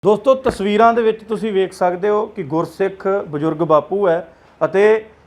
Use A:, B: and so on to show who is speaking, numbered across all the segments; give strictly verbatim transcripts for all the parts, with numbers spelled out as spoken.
A: ਦੋਸਤੋ ਤਸਵੀਰਾਂ ਦੇ ਵਿੱਚ ਤੁਸੀਂ ਵੇਖ ਸਕਦੇ ਹੋ ਕਿ ਗੁਰਸਿੱਖ ਬਜ਼ੁਰਗ ਬਾਪੂ ਹੈ ਅਤੇ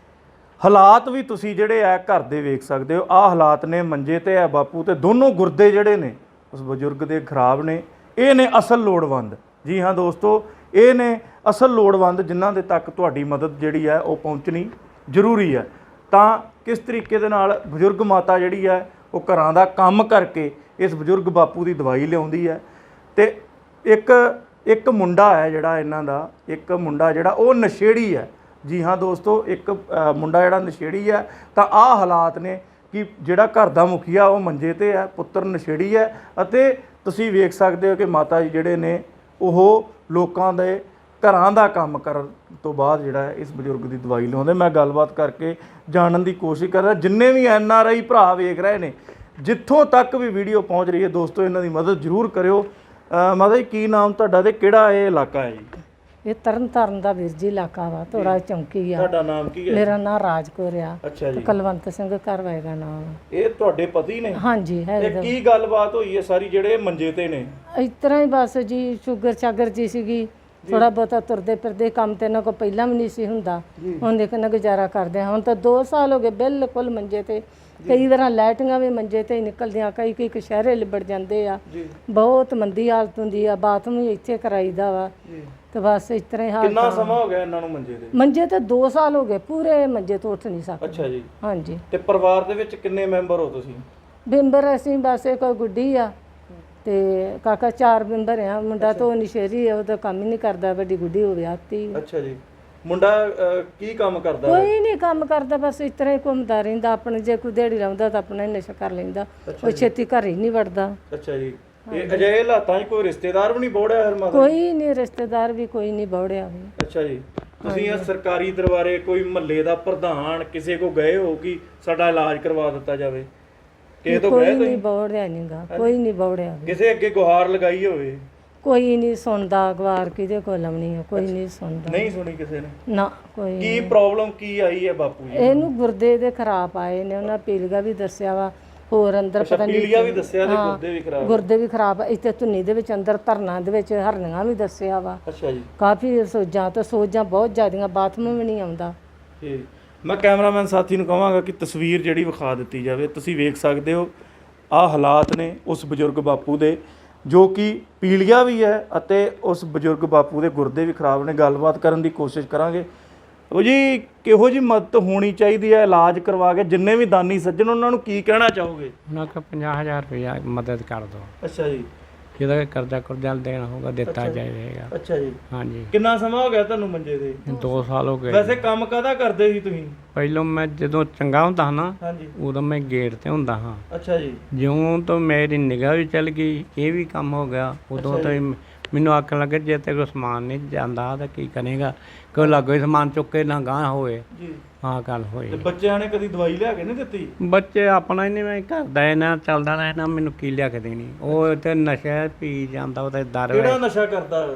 A: ਹਾਲਾਤ ਵੀ ਤੁਸੀਂ ਜਿਹੜੇ ਆ ਘਰ ਦੇ ਵੇਖ ਸਕਦੇ ਹੋ। ਆਹ ਹਾਲਾਤ ਨੇ, ਮੰਜੇ ਤੇ ਹੈ ਬਾਪੂ ਤੇ ਦੋਨੋਂ ਗੁਰਦੇ ਜਿਹੜੇ ਨੇ ਉਸ ਬਜ਼ੁਰਗ ਦੇ ਖਰਾਬ ਨੇ। ਇਹ ਨੇ ਅਸਲ ਲੋੜਵੰਦ। ਜੀ ਹਾਂ ਦੋਸਤੋ, ਇਹ ਨੇ ਅਸਲ ਲੋੜਵੰਦ ਜਿਨ੍ਹਾਂ ਦੇ ਤੱਕ ਤੁਹਾਡੀ ਮਦਦ ਜਿਹੜੀ ਹੈ ਉਹ ਪਹੁੰਚਣੀ ਜ਼ਰੂਰੀ ਹੈ। ਤਾਂ ਕਿਸ ਤਰੀਕੇ ਦੇ ਨਾਲ ਬਜ਼ੁਰਗ ਮਾਤਾ ਜਿਹੜੀ ਹੈ ਉਹ ਘਰਾਂ ਦਾ ਕੰਮ ਕਰਕੇ ਇਸ ਬਜ਼ੁਰਗ ਬਾਪੂ ਦੀ ਦਵਾਈ ਲਿਆਉਂਦੀ ਹੈ। ਤੇ ਇੱਕ ਇੱਕ ਮੁੰਡਾ ਹੈ ਜਿਹੜਾ ਇਹਨਾਂ ਦਾ, ਇੱਕ ਮੁੰਡਾ ਜਿਹੜਾ ਉਹ ਨਸ਼ੇੜੀ ਹੈ। ਜੀ ਹਾਂ ਦੋਸਤੋ, ਇੱਕ ਮੁੰਡਾ ਜਿਹੜਾ ਨਸ਼ੇੜੀ ਹੈ। ਤਾਂ ਆਹ ਹਾਲਾਤ ਨੇ ਕਿ ਜਿਹੜਾ ਘਰ ਦਾ ਮੁਖੀਆ ਉਹ ਮੰਜੇ ਤੇ ਹੈ, ਪੁੱਤਰ ਨਸ਼ੇੜੀ ਹੈ ਅਤੇ ਤੁਸੀਂ ਵੇਖ ਸਕਦੇ ਹੋ ਕਿ ਮਾਤਾ ਜੀ ਜਿਹੜੇ ਨੇ ਉਹ ਲੋਕਾਂ ਦੇ ਘਰਾਂ ਦਾ ਕੰਮ ਕਰਨ ਤੋਂ ਬਾਅਦ ਜਿਹੜਾ ਇਸ ਬਜ਼ੁਰਗ ਦੀ ਦਵਾਈ ਲਿਆਉਂਦੇ। ਮੈਂ ਗੱਲਬਾਤ ਕਰਕੇ ਜਾਣਨ ਦੀ ਕੋਸ਼ਿਸ਼ ਕਰ ਰਿਹਾ। ਜਿੰਨੇ ਵੀ ਐਨ ਆਰ ਆਈ ਭਰਾ ਵੇਖ ਰਹੇ ਨੇ, ਜਿੱਥੋਂ ਤੱਕ ਵੀ ਵੀਡੀਓ ਪਹੁੰਚ ਰਹੀ ਹੈ ਦੋਸਤੋ, ਇਹਨਾਂ ਦੀ ਮਦਦ ਜ਼ਰੂਰ ਕਰਿਓ। ਮਾਤਾ ਜੀ ਕੀ ਨਾਮ ਤੁਹਾਡਾ ਤੇ ਕਿਹੜਾ ਇਹ ਇਲਾਕਾ ਹੈ ਜੀ?
B: ਇਹ ਤਰਨ ਤਾਰਨ ਦਾ ਵੀਰ ਜੀ ਇਲਾਕਾ ਵਾ, ਥੋੜਾ ਚੌਂਕੀ ਆ।
A: ਤੁਹਾਡਾ ਨਾਮ ਕੀ ਹੈ?
B: ਮੇਰਾ ਨਾਮ ਰਾਜਕੌਰ ਆ।
A: ਅੱਛਾ ਜੀ।
B: ਕੁਲਵੰਤ ਸਿੰਘ ਘਰਵਾਏ ਦਾ ਨਾਮ।
A: ਇਹ ਤੁਹਾਡੇ ਪਤੀ ਨੇ?
B: ਹਾਂਜੀ ਹੈ।
A: ਤੇ ਕੀ ਗੱਲਬਾਤ ਹੋਈ ਹੈ ਸਾਰੀ ਜਿਹੜੇ ਮੰਜੇ ਤੇ ਨੇ?
B: ਇਸ ਤਰ੍ਹਾਂ ਹੀ ਬਸ ਜੀ, ਸ਼ੂਗਰ ਚਾਗਰ ਜੀ ਸੀਗੀ, ਥੋੜਾ ਬਹੁਤਾ ਤੁਰਦੇ ਫਿਰਦੇ ਕੰਮ ਤੇ ਇਹਨਾਂ ਕੋਲ ਪਹਿਲਾਂ ਵੀ ਨਹੀਂ ਸੀ ਹੁੰਦਾ। ਹੁਣ ਦੇਖ ਨਾ ਗੁਜ਼ਾਰਾ ਕਰਦੇ ਹਾਂ। ਹੁਣ ਤਾਂ ਦੋ ਸਾਲ ਹੋ ਗਏ ਬਿਲਕੁਲ ਮੰਜੇ ਤੇ। ਕਈ ਵਾਰ ਲਾਈਟਾਂ ਵੀ ਮੰਜੇ ਤੇ ਹੀ ਨਿਕਲਦੀਆਂ, ਕਈ ਕਈ ਕਸ਼ਹਿਰੇ ਲਿਬੜ ਜਾਂਦੇ ਆ। ਬਹੁਤ ਮੰਦੀ ਹਾਲਤ ਹੁੰਦੀ ਆ। ਬਾਥਰੂਮ ਵੀ ਇੱਥੇ ਕਰਾਈਦਾ ਵਾ। ਤੇ ਬਸ ਇਸ ਤਰ੍ਹਾਂ ਹੀ ਹਾਲ।
A: ਕਿੰਨਾ ਸਮਾਂ ਹੋ ਗਿਆ ਇਹਨਾਂ ਨੂੰ ਮੰਜੇ ਤੇ?
B: ਮੰਜੇ ਤੇ ਦੋ ਸਾਲ ਹੋ ਗਏ, ਪੂਰੇ ਮੰਜੇ ਤੋਂ ਉੱਠ ਨਹੀਂ ਸਕਦੇ।
A: ਅੱਛਾ ਜੀ।
B: ਹਾਂਜੀ।
A: ਤੇ ਪਰਿਵਾਰ ਦੇ ਵਿੱਚ ਕਿੰਨੇ ਮੈਂਬਰ ਹੋ ਤੁਸੀਂ?
B: ਮੈਂਬਰ ਅਸੀਂ ਬਸ ਇੱਕ ਗੁੱਡੀ ਆ ਤੇ ਕਾਕਾ, ਚਾਰ ਮੈਂਬਰ ਆ। ਮੁੰਡਾ ਤਾਂ ਨਸ਼ੇਰੀ ਆ, ਉਹ ਤਾਂ ਕੰਮ ਹੀ ਨਹੀਂ ਕਰਦਾ। ਵੱਡੀ ਗੁੱਡੀ ਹੋ ਵਿਆਹਤੀ।
A: ਅੱਛਾ ਜੀ। ਮੁੰਡਾ ਕੀ ਕੰਮ ਕਰਦਾ?
B: ਕੋਈ ਨਹੀਂ ਕੰਮ ਕਰਦਾ, ਬਸ ਇਸ ਤਰ੍ਹਾਂ ਹੀ ਘੁੰਮਦਾ ਰਹਿੰਦਾ। ਆਪਣੇ ਜੇ ਕੋਈ ਦਿਹਾੜੀ ਲਾਉਂਦਾ ਤਾਂ ਆਪਣਾ ਹੀ ਨਸ਼ਾ ਕਰ ਲੈਂਦਾ। ਉਹ ਛੇਤੀ ਘਰ ਹੀ ਨਹੀਂ ਵੜਦਾ।
A: ਅੱਛਾ ਜੀ। ਇਹ ਅਜਿਹੇ ਹਾਲਾਤਾਂ 'ਚ ਕੋਈ ਰਿਸ਼ਤੇਦਾਰ ਵੀ ਨਹੀਂ ਬੋੜਿਆ? ਹਰ ਮਾਤਾ
B: ਕੋਈ ਨਹੀਂ, ਰਿਸ਼ਤੇਦਾਰ ਵੀ ਕੋਈ ਨਹੀਂ ਬੋੜਿਆ ਵੀ।
A: ਅੱਛਾ ਜੀ। ਤੁਸੀਂ ਇਹ ਸਰਕਾਰੀ ਦਰਬਾਰੇ ਕੋਈ ਮਹੱਲੇ ਦਾ ਪ੍ਰਧਾਨ ਕਿਸੇ ਕੋ ਗਏ ਹੋ ਕਿ ਸਾਡਾ ਇਲਾਜ ਕਰਵਾ ਦਿੱਤਾ ਜਾਵੇ? ਕਿਸੇ ਤੋਂ ਗਏ?
B: ਕੋਈ ਨਹੀਂ ਬੋੜਿਆ ਨਹੀਂਗਾ, ਕੋਈ ਨਹੀਂ ਬੋੜਿਆ।
A: ਕਿਸੇ ਅੱਗੇ ਗੁਹਾਰ ਲਗਾਈ ਹੋਵੇ?
B: ਕੋਈ ਨਹੀਂ ਸੁਣਦਾ। ਗਵਾਰ ਕਿਹਦੇ ਕੋਲ ਲਾਉਣੀ ਆ? ਕੋਈ ਨਹੀਂ ਸੁਣਦਾ।
A: ਨਹੀਂ ਸੁਣੀ ਕਿਸੇ ਨੇ?
B: ਨਾ ਕੋਈ।
A: ਕੀ ਪ੍ਰੋਬਲਮ ਕੀ ਆਈ ਹੈ ਬਾਪੂ ਜੀ?
B: ਇਹਨੂੰ ਗੁਰਦੇ ਦੇ ਖਰਾਬ ਆਏ ਨੇ। ਉਹਨਾਂ ਪੀਲੀਆ ਵੀ ਦੱਸਿਆ ਵਾ, ਹੋਰ ਅੰਦਰ ਪਤਾ ਨਹੀਂ।
A: ਪੀਲੀਆ ਵੀ ਦੱਸਿਆ ਤੇ ਗੁਰਦੇ ਵੀ ਖਰਾਬ? ਗੁਰਦੇ
B: ਵੀ ਖਰਾਬ। ਇੱਥੇ ਧੁੰਨੀ ਦੇ ਵਿੱਚ ਅੰਦਰ ਧਰਨਾ ਦੇ ਵਿੱਚ ਹਰਨੀਆਂ ਵੀ ਦੱਸਿਆ ਵਾ।
A: ਅੱਛਾ ਜੀ।
B: ਕਾਫੀ ਸੋਜਾਂ ਤੇ ਸੋਜਾਂ ਬਹੁਤ ਜ਼ਿਆਦੀਆਂ, ਬਾਥਰੂਮ ਵੀ ਨਹੀਂ ਆਉਂਦਾ।
A: ਠੀਕ। ਮੈਂ ਕੈਮਰਾਮੈਨ ਸਾਥੀ ਨੂੰ ਕਹਾਂਗਾ ਕਿ ਤਸਵੀਰ ਜਿਹੜੀ ਵਿਖਾ ਦਿੱਤੀ ਜਾਵੇ। ਤੁਸੀਂ ਵੇਖ ਸਕਦੇ ਹੋ ਆਹ ਹਾਲਾਤ ਨੇ ਉਸ ਬਜ਼ੁਰਗ ਬਾਪੂ ਦੇ, ਜੋ ਕਿ ਪੀਲੀਆ ਵੀ ਹੈ ਅਤੇ ਉਸ ਬਜ਼ੁਰਗ ਬਾਪੂ ਦੇ ਗੁਰਦੇ ਵੀ ਖਰਾਬ ਨੇ। ਗੱਲਬਾਤ ਕਰਨ ਦੀ ਕੋਸ਼ਿਸ਼ ਕਰਾਂਗੇ। ਉਹ ਜੀ ਕਿਹੋ ਜਿਹੀ ਮਦਦ ਹੋਣੀ ਚਾਹੀਦੀ ਹੈ ਇਲਾਜ ਕਰਵਾ ਕੇ? ਜਿੰਨੇ ਵੀ ਦਾਨੀ ਸੱਜਣ, ਉਹਨਾਂ ਨੂੰ ਕੀ ਕਹਿਣਾ ਚਾਹੋਗੇ?
C: ਉਹਨਾਂ ਕੋਲ ਪੰਜਾਹ ਹਜ਼ਾਰ ਰੁਪਇਆ ਮਦਦ ਕਰ ਦਿਓ।
A: ਅੱਛਾ ਜੀ।
C: ਜਿਹਦਾ ਕਰਜ਼ਾ ਕੁਰਜ਼ਾ ਦੇਣਾ ਹੋਊਗਾ ਦਿੱਤਾ ਜਾਏਗਾ।
A: ਅੱਛਾ ਜੀ।
C: ਹਾਂਜੀ।
A: ਕਿੰਨਾ ਸਮਾਂ ਹੋ ਗਿਆ ਤੁਹਾਨੂੰ ਮੰਜੇ ਤੇ?
C: ਦੋ ਸਾਲ ਹੋ ਗਏ।
A: ਵੈਸੇ ਕੰਮ ਕਾਹਦਾ ਕਰਦੇ ਸੀ ਤੁਸੀਂ?
C: ਪਹਿਲੋਂ ਮੈਂ ਜਦੋਂ ਚੰਗਾ ਹੁੰਦਾ ਨਾ,
A: ਹਾਂਜੀ,
C: ਉਦੋਂ ਮੈਂ ਗੇਟ ਤੇ ਹੁੰਦਾ ਹਾਂ।
A: ਅੱਛਾ ਜੀ।
C: ਜਿਉਂ ਤੋਂ ਮੇਰੀ ਨਿਗਾਹ ਵੀ ਚੱਲ ਗਈ, ਇਹ ਵੀ ਕੰਮ ਹੋ ਗਿਆ, ਉਦੋਂ ਤੋਂ ਮੈਨੂੰ ਆਖਣ ਲੱਗੇ ਜੇ ਤੇ ਕੋਈ ਸਮਾਨ ਨਹੀਂ ਜਾਂਦਾ ਤਾਂ ਕੀ ਕਰੇਗਾ, ਕੋਈ ਲਾਗੋ ਸਮਾਨ ਚੁੱਕ ਕੇ ਨਾ ਗਾਂਹ ਹੋਏ।
A: ਜੀ।
C: ਹਾਂ ਗੱਲ ਹੋਈ।
A: ਤੇ ਬੱਚਿਆਂ ਨੇ ਕਦੀ ਦਵਾਈ ਲਿਆ ਕੇ ਨਹੀਂ ਦਿੱਤੀ?
C: ਬੱਚੇ ਆਪਣਾ ਹੀ ਨਹੀਂ, ਮੈਂ ਕਰਦਾ ਇਹਨਾਂ ਚੱਲਦਾ ਰਹਿਣਾ, ਮੈਨੂੰ ਕੀ ਲਿਆ ਕੇ ਦੇਣੀ। ਉਹ ਤੇ ਨਸ਼ਾ ਪੀ ਜਾਂਦਾ, ਉਹਦਾ ਦਰ।
A: ਕਿਹੜਾ ਨਸ਼ਾ ਕਰਦਾ?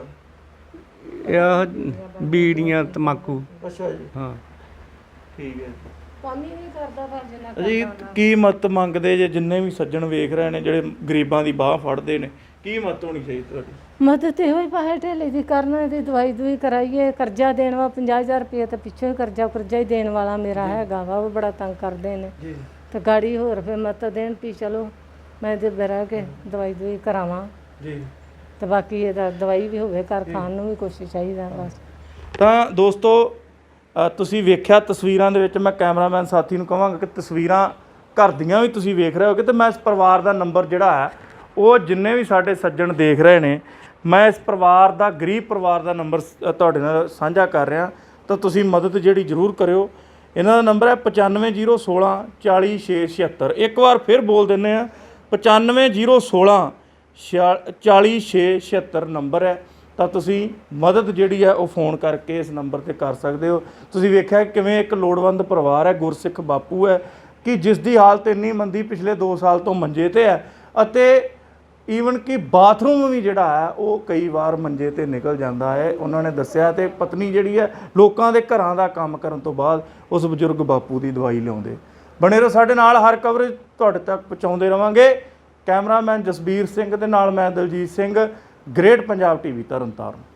C: ਇਹ ਬੀੜੀਆਂ, ਤੰਬਾਕੂ।
A: ਅੱਛਾ ਜੀ।
C: ਹਾਂ
A: ਠੀਕ ਹੈ।
B: ਕੰਮ ਹੀ ਨਹੀਂ ਕਰਦਾ ਭਾਜਨਾ।
A: ਜੀ ਕੀ ਮਦਦ ਮੰਗਦੇ ਜੇ? ਜਿੰਨੇ ਵੀ ਸੱਜਣ ਵੇਖ ਰਹੇ ਨੇ ਜਿਹੜੇ ਗਰੀਬਾਂ ਦੀ ਬਾਹ ਫੜਦੇ ਨੇ, ਕੀ ਮਦਦ ਹੋਣੀ ਚਾਹੀਦੀ ਤੁਹਾਡੀ?
B: ਮਦਦ ਇਹੋ ਹੀ ਪਾਹੇ ਢੇਲੇ ਦੀ ਕਰਨਾ, ਇਹਦੀ ਦਵਾਈ ਦਵਾਈ ਕਰਾਈਏ। ਕਰਜ਼ਾ ਦੇਣ ਵਾ ਪੰਜਾਹ ਹਜ਼ਾਰ ਰੁਪਏ, ਤੇ ਪਿੱਛੋਂ ਹੀ ਕਰਜ਼ਾ ਕਰਜ਼ਾ ਹੀ ਦੇਣ ਵਾਲਾ ਮੇਰਾ ਹੈਗਾ ਵਾ। ਉਹ ਬੜਾ ਤੰਗ ਕਰਦੇ ਨੇ।
A: ਜੀ।
B: ਤੇ ਗਾੜੀ ਹੋਰ ਫਿਰ ਮਦਦ ਦੇਣ ਵੀ ਚਲੋ ਮੈਂ ਤੇ ਬਹਿ ਕੇ ਦਵਾਈ ਦਵਾਈ ਕਰਾਵਾਂ।
A: ਜੀ।
B: ਤੇ ਬਾਕੀ ਇਹਦਾ ਦਵਾਈ ਵੀ ਹੋਵੇ, ਘਰ ਖਾਣ ਨੂੰ ਵੀ ਕੁਛ ਚਾਹੀਦਾ ਬਸ।
A: ਤਾਂ ਦੋਸਤੋ ਤੁਸੀਂ ਵੇਖਿਆ ਤਸਵੀਰਾਂ ਦੇ ਵਿੱਚ, ਮੈਂ ਕੈਮਰਾਮੈਨ ਸਾਥੀ ਨੂੰ ਕਹਾਂਗਾ ਕਿ ਤਸਵੀਰਾਂ ਘਰ ਦੀਆਂ ਵੀ ਤੁਸੀਂ ਵੇਖ ਰਹੇ ਹੋਗੇ। ਤੇ ਮੈਂ ਇਸ ਪਰਿਵਾਰ ਦਾ ਨੰਬਰ ਜਿਹੜਾ ਹੈ ਉਹ ਜਿੰਨੇ ਵੀ ਸਾਡੇ ਸੱਜਣ ਦੇਖ ਰਹੇ ਨੇ, ਮੈਂ ਇਸ ਪਰਿਵਾਰ ਦਾ, ਗਰੀਬ ਪਰਿਵਾਰ ਦਾ ਨੰਬਰ ਤੁਹਾਡੇ ਨਾਲ ਸਾਂਝਾ ਕਰ ਰਿਹਾ। ਤਾਂ ਤੁਸੀਂ ਮਦਦ ਜਿਹੜੀ ਜ਼ਰੂਰ ਕਰਿਓ। ਇਹਨਾਂ ਦਾ ਨੰਬਰ ਹੈ ਪਚਾਨਵੇਂ ਜ਼ੀਰੋ ਸੋਲਾਂ ਚਾਲੀ ਛੇ ਛਿਹੱਤਰ। ਇੱਕ ਵਾਰ ਫਿਰ ਬੋਲ ਦਿੰਦੇ ਹਾਂ, ਪਚਾਨਵੇਂ ਜ਼ੀਰੋ ਸੋਲਾਂ ਛਿਆ ਚਾਲੀ ਛੇ ਛਿਹੱਤਰ ਨੰਬਰ ਹੈ। ਤਾਂ ਤੁਸੀਂ ਮਦਦ ਜਿਹੜੀ ਹੈ ਉਹ ਫੋਨ ਕਰਕੇ ਇਸ ਨੰਬਰ 'ਤੇ ਕਰ ਸਕਦੇ ਹੋ। ਤੁਸੀਂ ਵੇਖਿਆ ਕਿਵੇਂ ਇੱਕ ਲੋੜਵੰਦ ਪਰਿਵਾਰ ਹੈ, ਗੁਰਸਿੱਖ ਬਾਪੂ ਹੈ, ਕਿ ਜਿਸ ਦੀ ਹਾਲਤ ਇੰਨੀ ਮੰਦੀ, ਪਿਛਲੇ ਦੋ ਸਾਲ ਤੋਂ ਮੰਜੇ 'ਤੇ ਹੈ ਅਤੇ ਈਵਨ ਕਿ ਬਾਥਰੂਮ ਵੀ ਜਿਹੜਾ ਹੈ ਉਹ ਕਈ ਵਾਰ ਮੰਜੇ 'ਤੇ ਨਿਕਲ ਜਾਂਦਾ ਹੈ, ਉਹਨਾਂ ਨੇ ਦੱਸਿਆ। ਅਤੇ ਪਤਨੀ ਜਿਹੜੀ ਹੈ ਲੋਕਾਂ ਦੇ ਘਰਾਂ ਦਾ ਕੰਮ ਕਰਨ ਤੋਂ ਬਾਅਦ ਉਸ ਬਜ਼ੁਰਗ ਬਾਪੂ ਦੀ ਦਵਾਈ ਲਿਆਉਂਦੇ। ਬਣੇ ਰਹੋ ਸਾਡੇ ਨਾਲ, ਹਰ ਕਵਰੇਜ ਤੁਹਾਡੇ ਤੱਕ ਪਹੁੰਚਾਉਂਦੇ ਰਹਾਂਗੇ। ਕੈਮਰਾਮੈਨ ਜਸਬੀਰ ਸਿੰਘ ਦੇ ਨਾਲ ਮੈਂ ਦਲਜੀਤ ਸਿੰਘ। Great Punjab TV Tarn Taran.